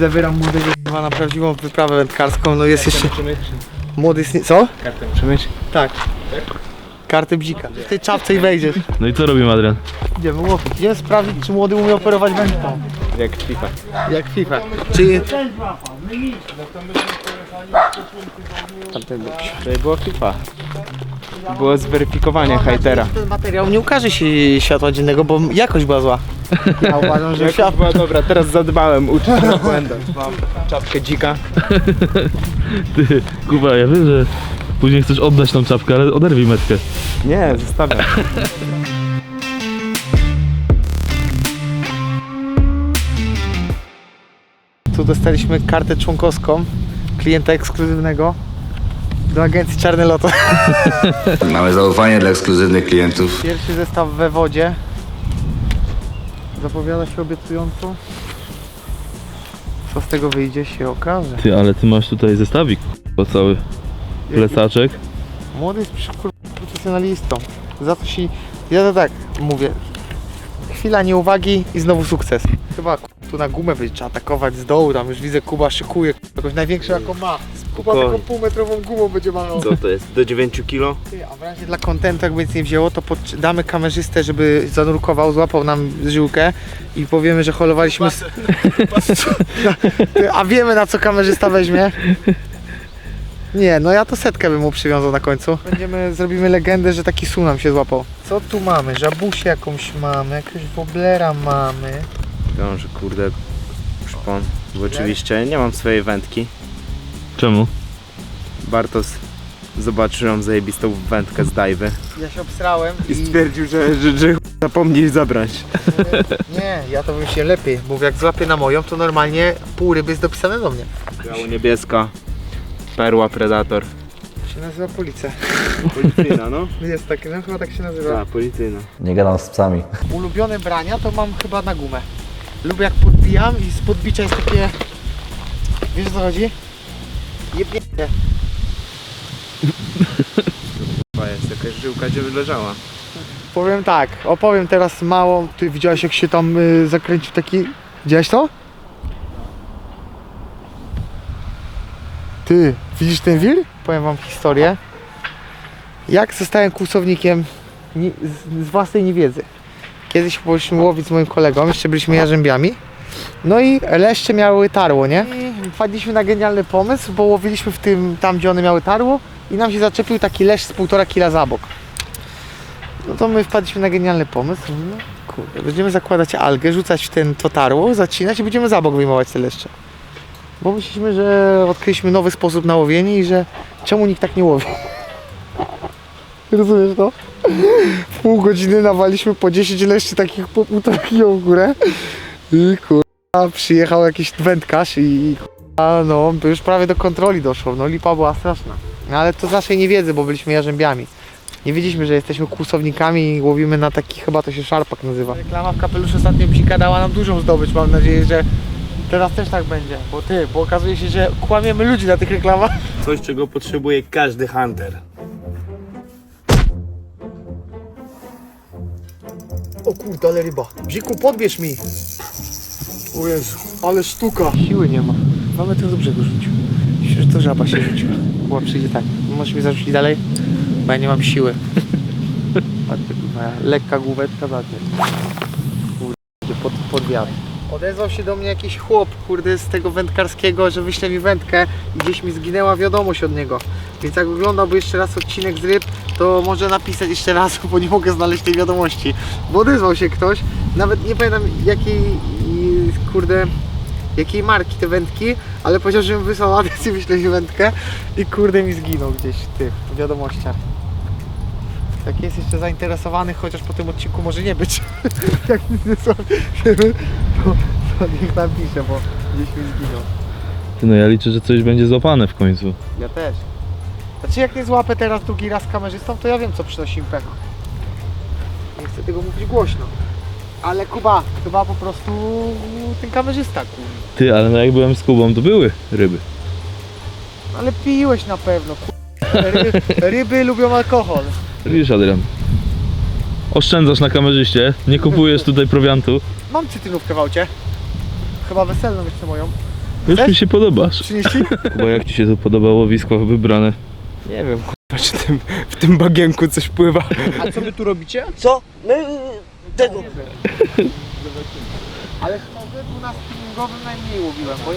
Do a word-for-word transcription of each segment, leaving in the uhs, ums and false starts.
Zabieram młodego na prawdziwą wyprawę wędkarską, no jest jeszcze... Młody jest... Co? Kartę przemyśl. Tak. Kartę bzika. W tej czapce i wejdziesz. No i co robimy, Adrian? Idziemy łowić. Idziemy sprawdzić, czy młody umie operować wędką. Jak FIFA. Jak FIFA. Czy... To było FIFA. Było zweryfikowanie hejtera. Ten materiał nie ukaże się światła dziennego, bo jakość była zła. Ja uważam, że Jak świat... była dobra, teraz zadbałem, uczę się na błędach. Mam czapkę dzika. Ty, Kuba, ja wiem, że później chcesz oddać tą czapkę, ale oderwij metkę. Nie, zostawiam. Tu dostaliśmy kartę członkowską klienta ekskluzywnego do agencji Czarne Loto. Mamy zaufanie dla ekskluzywnych klientów. Pierwszy zestaw we wodzie. Zapowiada się obiecująco. Co z tego wyjdzie, się okaże. Ty, ale ty masz tutaj zestawik, bo cały plecaczek. Młody jest kur- profesjonalistą. Za to się... Ja to tak mówię. Chwila nieuwagi i znowu sukces. Chyba kur- tu na gumę będzie trzeba atakować z dołu. Tam już widzę, Kuba szykuje jakąś największą jaką ma. Kuba taką półmetrową gumą będzie malował. Co to jest? Do dziewięciu kilo? Ty, a w razie dla kontentu, jakby nic nie wzięło, to pod, damy kamerzystę, żeby zanurkował, złapał nam żyłkę i powiemy, że holowaliśmy... S... Ty, a wiemy, na co kamerzysta weźmie? Nie, no ja to setkę bym mu przywiązał na końcu. Będziemy, zrobimy legendę, że taki su nam się złapał. Co tu mamy? Żabusię jakąś mamy, jakiegoś woblera mamy. Wiąże, kurde, szpon. Bo oczywiście nie mam swojej wędki. Czemu? Bartosz zobaczył ją zajebistą wędkę z dajwy. Ja się obsrałem I stwierdził, że, że, że zapomnij zabrać. Nie, ja to bym się lepiej, bo jak złapię na moją, to normalnie pół ryby jest dopisane do mnie. Biało-niebieska, perła, predator. Się nazywa policja. Policyjna, no? Jest tak, no chyba tak się nazywa. Tak, policyjna. Nie gadam z psami. Ulubione brania to mam chyba na gumę. Lubię jak podbijam i z podbicia jest takie... Wiesz o co chodzi? Jebnięcie. To jest jakaś żyłka, gdzie leżała. Powiem tak, opowiem teraz mało. Ty widziałeś jak się tam y, zakręcił taki... Widziałeś to? Ty, widzisz ten wir? Powiem wam historię. Jak zostałem kłusownikiem ni- z, z własnej niewiedzy. Kiedyś poszliśmy łowić z moim kolegą, jeszcze byliśmy jarzębiami. No i leszcze miały tarło, nie? I wpadliśmy na genialny pomysł, bo łowiliśmy w tym, tam gdzie one miały tarło i nam się zaczepił taki leszcz z półtora kila za bok. No to my wpadliśmy na genialny pomysł. No kurde, będziemy zakładać algę, rzucać w ten to tarło, zacinać i będziemy za bok wyjmować te leszcze. Bo myśleliśmy, że odkryliśmy nowy sposób na łowienie i że czemu nikt tak nie łowi. Rozumiesz to? W pół godziny nawaliśmy po dziesięć leszczy takich po półtora kilo w górę. I kurwa, przyjechał jakiś wędkarz i kurwa, no już prawie do kontroli doszło. No lipa była straszna. No, ale to z naszej niewiedzy, bo byliśmy jarzębiami. Nie wiedzieliśmy, że jesteśmy kłusownikami i łowimy na taki, chyba to się szarpak nazywa. Reklama w kapeluszu ostatnio bzika dała nam dużą zdobycz. Mam nadzieję, że teraz też tak będzie. Bo ty, bo okazuje się, że kłamiemy ludzi na tych reklamach. Coś, czego potrzebuje każdy hunter. O kurde, ale ryba. Bziku, podbierz mi. O Jezu, ale sztuka. Siły nie ma. Mamy to do brzegu rzucił. Myślę, że to żaba się rzuciła. Była przyjdzie tak. Możesz mi zarzucić dalej? Bo ja nie mam siły. Patrzcie, moja lekka główeczka za mnie. Kurde, pod, pod wiatr. Odezwał się do mnie jakiś chłop, kurde, z tego wędkarskiego, że wyśle mi wędkę i gdzieś mi zginęła wiadomość od niego. Więc jak oglądałby jeszcze raz odcinek z ryb, to może napisać jeszcze raz, bo nie mogę znaleźć tej wiadomości. Bo odezwał się ktoś, nawet nie pamiętam jakiej, kurde, jakiej marki te wędki, ale powiedział, że mi wysłał adres i wyśle mi wędkę i kurde mi zginął gdzieś w tych wiadomościach. Jak jest jeszcze zainteresowany, chociaż po tym odcinku może nie być. Jak nic nie słyszymy, to, to niech napisze, bo gdzieś mi zginął. Ty, no ja liczę, że coś będzie złapane w końcu. Ja też. Znaczy jak nie złapę teraz drugi raz kamerzystą, to ja wiem co przynosi im pecha. Nie chcę tego mówić głośno. Ale Kuba, chyba po prostu ten kamerzysta, kurwa. Ty, ale no jak byłem z Kubą, to były ryby. Ale piłeś na pewno, kurwa. Ryby, ryby lubią alkohol. Widzisz, Adrian, oszczędzasz na kamerzyście, nie kupujesz tutaj prowiantu. Mam cytrynówkę w aucie. Chyba weselną jeszcze moją. Już mi się podobasz. trzydzieści? Kuba, jak ci się to podoba łowisko wybrane? Nie wiem, kurwa, czy tym, w tym bagienku coś pływa. A co wy tu robicie? Co? My y, tego. Ale szczerze, tu na spinningowym najmniej łowiłem, bo ja...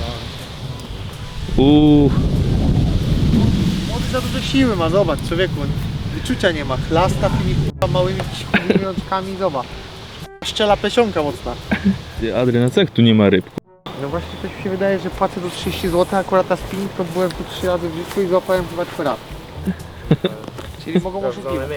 Uuu, Młody za dużo siły ma, zobacz, człowieku. Wyczucia nie ma, chlasta tymi k***a małymi cichułymi rączkami, zobacz. Szczela plesionka mocna. ty, Adrian, a co jak tu nie ma ryb? No właśnie coś mi się wydaje, że płacę do trzydzieści złotych, akurat na spinning to byłem tu trzy razy w życiu i złapałem chyba trzy razy. Czyli mogą oszukiwać.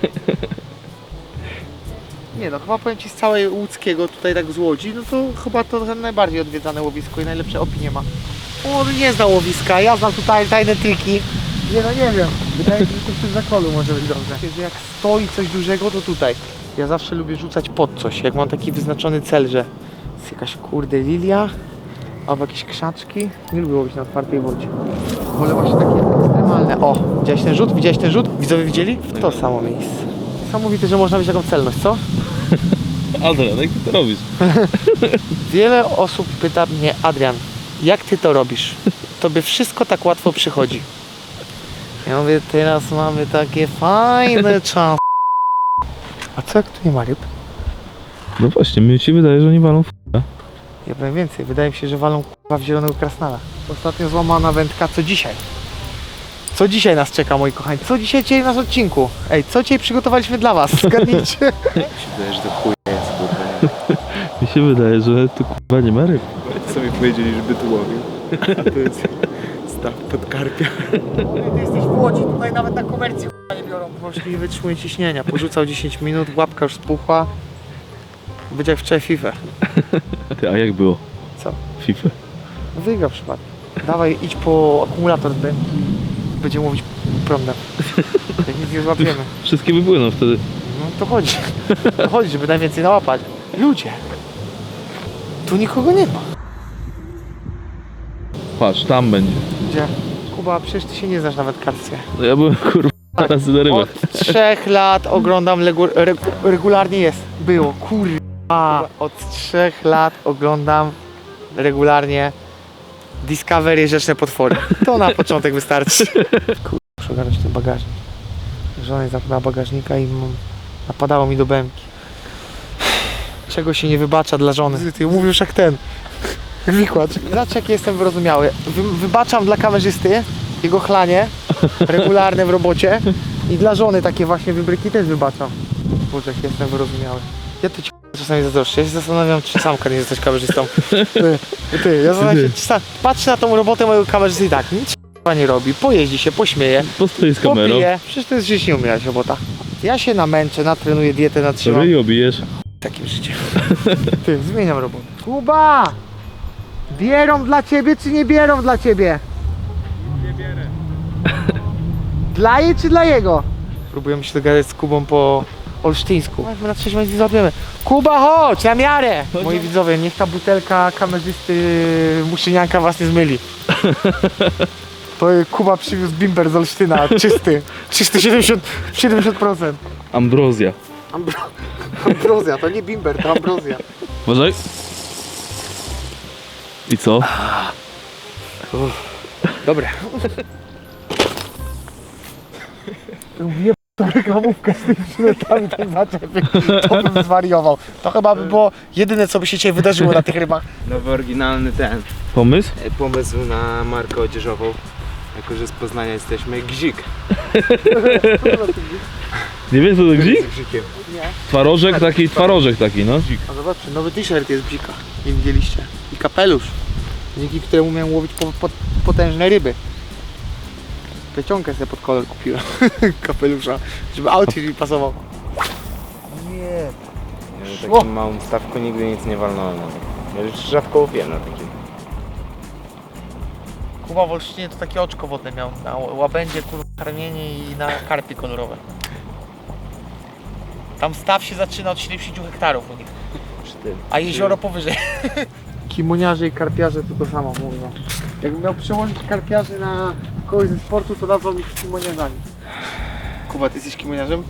Nie no, chyba powiem ci z całej łódzkiego tutaj tak z Łodzi, no to chyba to najbardziej odwiedzane łowisko i najlepsze opinie ma. On nie zna łowiska, ja znam tutaj tajne triki. Nie no nie wiem, wydaje mi się, że to przy zakolu może być dobrze. Że jak stoi coś dużego, to tutaj. Ja zawsze lubię rzucać pod coś, jak mam taki wyznaczony cel, że jest jakaś kurde lilia, albo jakieś krzaczki. Nie lubię łowić na otwartej wodzie. Wolę właśnie takie ekstremalne. O, widziałeś ten rzut? Widziałeś ten rzut? Widzowie widzieli? W to samo miejsce. Niesamowite, że można mieć taką celność, co? Adrian, jak ty to robisz? Wiele osób pyta mnie, Adrian, jak ty to robisz? Tobie wszystko tak łatwo przychodzi. Ja mówię, teraz mamy takie fajne czasy. A co jak tu nie ma ryb? No właśnie, mi się wydaje, że oni walą w... Ja powiem więcej, wydaje mi się, że walą k***a w zielonego krasnala. Ostatnio złamana wędka, co dzisiaj? Co dzisiaj nas czeka, moi kochani? Co dzisiaj dzieje nas odcinku? Ej, co dzisiaj przygotowaliśmy dla was? Zgadnijcie. Wydaje, że to chuj jest, kurwa. Mi się wydaje, że tu kurwa nie ma ryb. Co mi powiedzieli, żeby tu łowił. A to jest staw pod karpia. Ty jesteś w Łodzi, tutaj nawet na komercji k***a nie biorą. Możesz nie wytrzymuje ciśnienia. Porzucał dziesięć minut, łapka już spuchła. Będzie jak wczoraj FIFA. Ty, a jak było? Co? FIFA. Wygrał przypadek. Dawaj, idź po akumulator z bęki. Będziemy mówić prądem. Jak nic nie złapiemy. Wszystkie wypłyną wtedy. No to chodzi. To chodzi, żeby najwięcej nałapać. Ludzie. Tu nikogo nie ma. Patrz, tam będzie. Gdzie? Kuba, przecież ty się nie znasz na wędkarstwie. No ja byłem kurwa razy na rybach. Od trzech lat oglądam legu- regu- regularnie jest. Było, kurwa. Od trzech lat oglądam regularnie Discovery Rzeczne Potwory. To na początek wystarczy. Kurwa, muszę ogarnąć ten bagażnik. Żona zamknęła bagażnika i m- napadało mi do bębki. Czego się nie wybacza dla żony? Ty mówisz jak ten. Wikłacz. Zobacz jaki jestem wyrozumiały. Wy- wybaczam dla kamerzysty jego chlanie regularne w robocie i dla żony takie właśnie wybryki też wybaczam. Boże, jak jestem wyrozumiały. Ja to ci czasami zazdroszczę. Ja się zastanawiam, czy sam nie jesteś kamerzystą. Ty, ty, ja zastanawiam się, czy sam, patrzę na tą robotę mojego kamerzysty i tak, nic k***a nie robi, pojeździ się, pośmieje, Postoi z kamerą. popije. Przecież to jest żyć nie umierać robota. Ja się namęczę, natrenuję dietę, natrzymam. Dobrze i obijesz. Takim życiem. Ty, zmieniam robotę. Kuba! Bierą dla ciebie, czy nie bierą dla ciebie? Nie bierę. Dla jej, czy dla jego? Próbujemy się dogadać z Kubą po olsztyńsku. My na trzeźwo nic nie złapiemy. Kuba, chodź, na miarę! Moi widzowie, niech ta butelka kamerzysty Muszynianka was nie zmyli. To Kuba przywiózł bimber z Olsztyna, czysty. Czysty siedemdziesiąt procent. Ambrozja. Ambro... Ambrozja, to nie bimber, to ambrozja. Uważaj. I co? Dobre. Wie reklamówkę z tymi przylotami, ten zaczepik, to bym zwariował. To chyba by było jedyne, co by się dzisiaj wydarzyło na tych rybach. Nowy, oryginalny ten. Pomysł? e, Pomysł na markę odzieżową. Jako, że z Poznania jesteśmy. Gzik. Nie wiesz co to gzik? Z Gzikiem. Nie. Twarożek taki, twarożek taki, no. A zobaczcie, nowy t-shirt jest bzika. Nie widzieliście. I kapelusz, dzięki któremu miałem łowić po, po, potężne ryby. Plecionkę sobie pod kolor kupiłem. Kapelusza, żeby outfit mi pasował. Nie. Ja na takim małym stawku nigdy nic nie walnąłem. Ja już rzadko łowiłem na takim. Kuba w Olsztynie to takie oczko wodne miał. Na łabędzie, kurwa, karmienie i na karpie kolorowe. Tam staw się zaczyna od siedemdziesięciu hektarów u nich. Przy tym. A jezioro powyżej. Kimoniarze i karpiarze to to samo mówią. Jakbym miał przełożyć karpiarzy na kogoś ze sportu, to nazwał ich kimoniarzami. Kuba, ty jesteś kimoniarzem?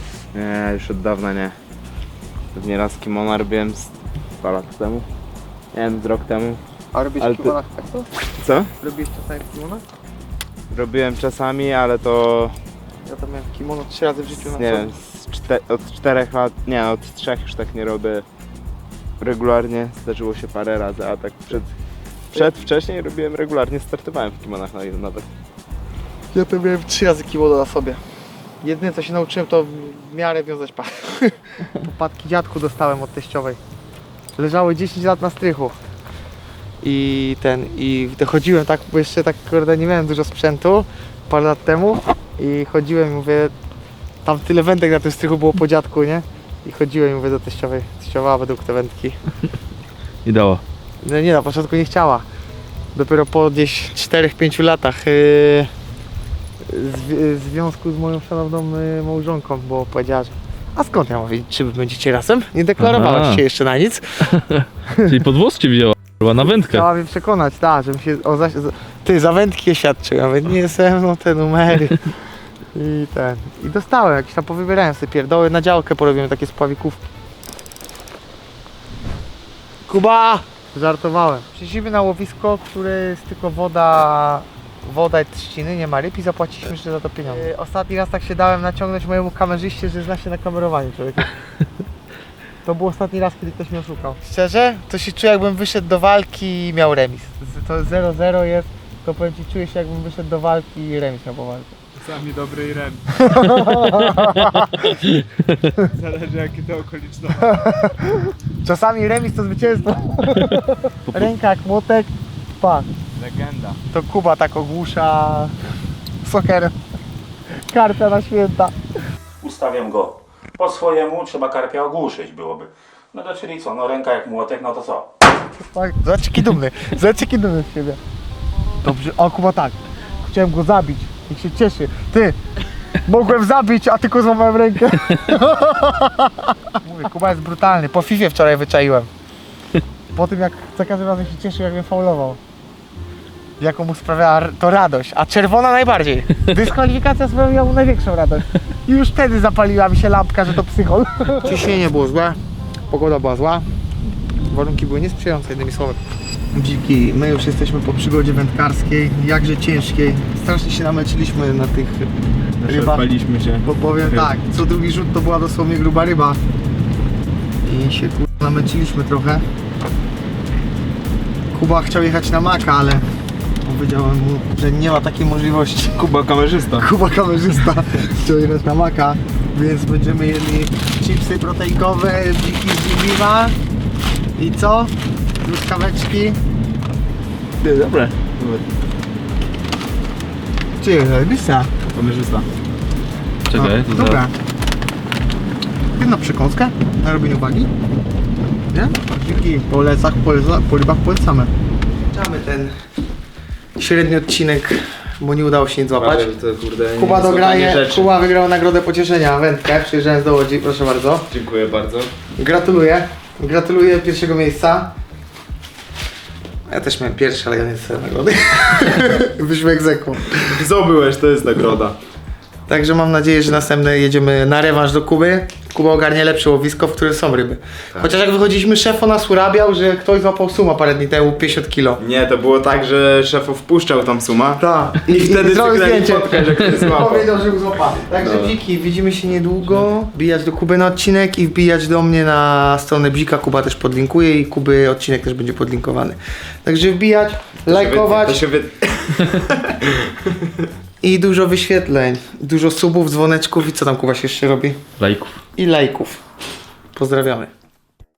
Nie, już od dawna nie. Pewnie raz kimono robiłem z dwa lata temu. nie wiem, z rok temu. A robisz Ale w ty- kimonach tak to? Co? Robisz czasami w kimonach? Robiłem czasami, ale to Ja tam miałem kimono trzy razy w życiu na nie co? wiem, z czte, od czterech lat, nie, od trzech już tak nie robię regularnie. Zdarzyło się parę razy, a tak przed, przed wcześniej robiłem regularnie, startowałem w kimonach na- nawet. Ja to miałem trzy razy kimono na sobie. Jedyne co się nauczyłem to w miarę wiązać pas. Popadki dziadku dostałem od teściowej. Leżały dziesięć lat na strychu. I ten, i chodziłem tak, bo jeszcze tak kurde nie miałem dużo sprzętu parę lat temu i chodziłem i mówię, tam tyle wędek na tym strychu było po dziadku, nie? I chodziłem i mówię do teściowej, teściowa według te wędki. I dała. No nie, na początku nie chciała. Dopiero po gdzieś czterech pięciu latach yy, w związku z moją szanowną yy, małżonką, bo powiedziała, że a skąd ja mam wiedzieć, czy wy będziecie razem? Nie deklarowałaś Aha. się jeszcze na nic. Czyli pod włos cię wzięła, chyba na wędkę. Chciała mnie przekonać, tak, żebym się o zaś... Ty, za wędki je świadczył, ja mówię, nie ze mną te numery. I ten, i dostałem, jakieś tam powybierałem sobie pierdoły, na działkę porobiłem takie spławikówki. Kuba! Żartowałem. Przyszliśmy na łowisko, które jest tylko woda, woda i trzciny, nie ma ryb i zapłaciliśmy jeszcze za to pieniądze. Yy, ostatni raz tak się dałem naciągnąć mojemu kamerzyście, że zna się na kamerowaniu człowieku. To był ostatni raz, kiedy ktoś mnie oszukał. Szczerze? To się czuję, jakbym wyszedł do walki i miał remis. Z- To zero zero jest, to powiem ci, czuję się, jakbym wyszedł do walki i remis miał po walce. Czasami dobry i rem. Zależy jakie to okoliczności. Czasami remis to zwycięstwo. Ręka jak młotek, pa. Legenda. To Kuba tak ogłusza sokerem. Karpia na święta. Ustawiam go po swojemu, trzeba karpia ogłuszyć byłoby. No to czyli co, no ręka jak młotek, no to co? Zobacz jaki dumny, zobacz jaki dumny z siebie. Dobrze, o Kuba tak. Chciałem go zabić, niech się cieszy. Ty, mogłem zabić, a tylko złamałem rękę. Mówię, Kuba jest brutalny, po Fifie wczoraj wyczaiłem. Po tym jak za każdym razem się cieszył, jak mnie faulował. Jaką mu sprawiała r- to radość, a czerwona najbardziej. Dyskwalifikacja sprawiła mu największą radość. I już wtedy zapaliła mi się lampka, że to psychol. Ciśnienie było złe, pogoda była zła, warunki były niesprzyjające, jednymi słowy. Dziki, my już jesteśmy po przygodzie wędkarskiej, jakże ciężkiej. Strasznie się namęczyliśmy na tych rybach. Odpaliśmy się. Bo powiem tak, co drugi rzut to była dosłownie gruba ryba. I się kurwa namęczyliśmy trochę. Kuba chciał jechać na Maka, ale powiedziałem mu, że nie ma takiej możliwości. Kuba kamerzysta. Kuba kamerzysta chciał jechać na Maka, więc będziemy jedli chipsy proteinkowe, dziki z Bibiwa i co? Truskaweczki. Ty, dobre. Czy robisa? Kamerzysta. Czekaj, to Dobra. Jedna przekąska na robieniu wagi. Nie? Dziki po lecach, po, leca, po rybach polecamy. Zaczynamy ten średni odcinek, bo nie udało się nic złapać. To, kurde, nie Kuba są tanie dograje, rzeczy. Kuba wygrał nagrodę pocieszenia, wędkę, przyjeżdżając do Łodzi, proszę bardzo. Dziękuję bardzo. Gratuluję, gratuluję pierwszego miejsca. Ja też miałem pierwszy, ale ja nie dostałem nagrody. Byśmy egzekwo. Zdobyłeś, to jest nagroda. Także mam nadzieję, że następne jedziemy na rewanż do Kuby. Kuba ogarnie lepsze łowisko, w którym są ryby. Chociaż jak wychodziliśmy, szef o nas urabiał, że ktoś złapał suma parę dni temu, pięćdziesiąt kilo. Nie, to było tak, że szefów wpuszczał tam suma. Tak. I wtedy zrobił wygrali zdjęcie. fotkę, że ktoś złapał. Powiedział, że był złapany. Także No. Bziki, widzimy się niedługo. Wbijać do Kuby na odcinek i wbijać do mnie na stronę Bzika. Kuba też podlinkuje i Kuby odcinek też będzie podlinkowany. Także wbijać, lajkować. To się wy... I dużo wyświetleń, dużo subów, dzwoneczków i co tam Kuba się jeszcze robi? lajków. I lajków. Pozdrawiamy.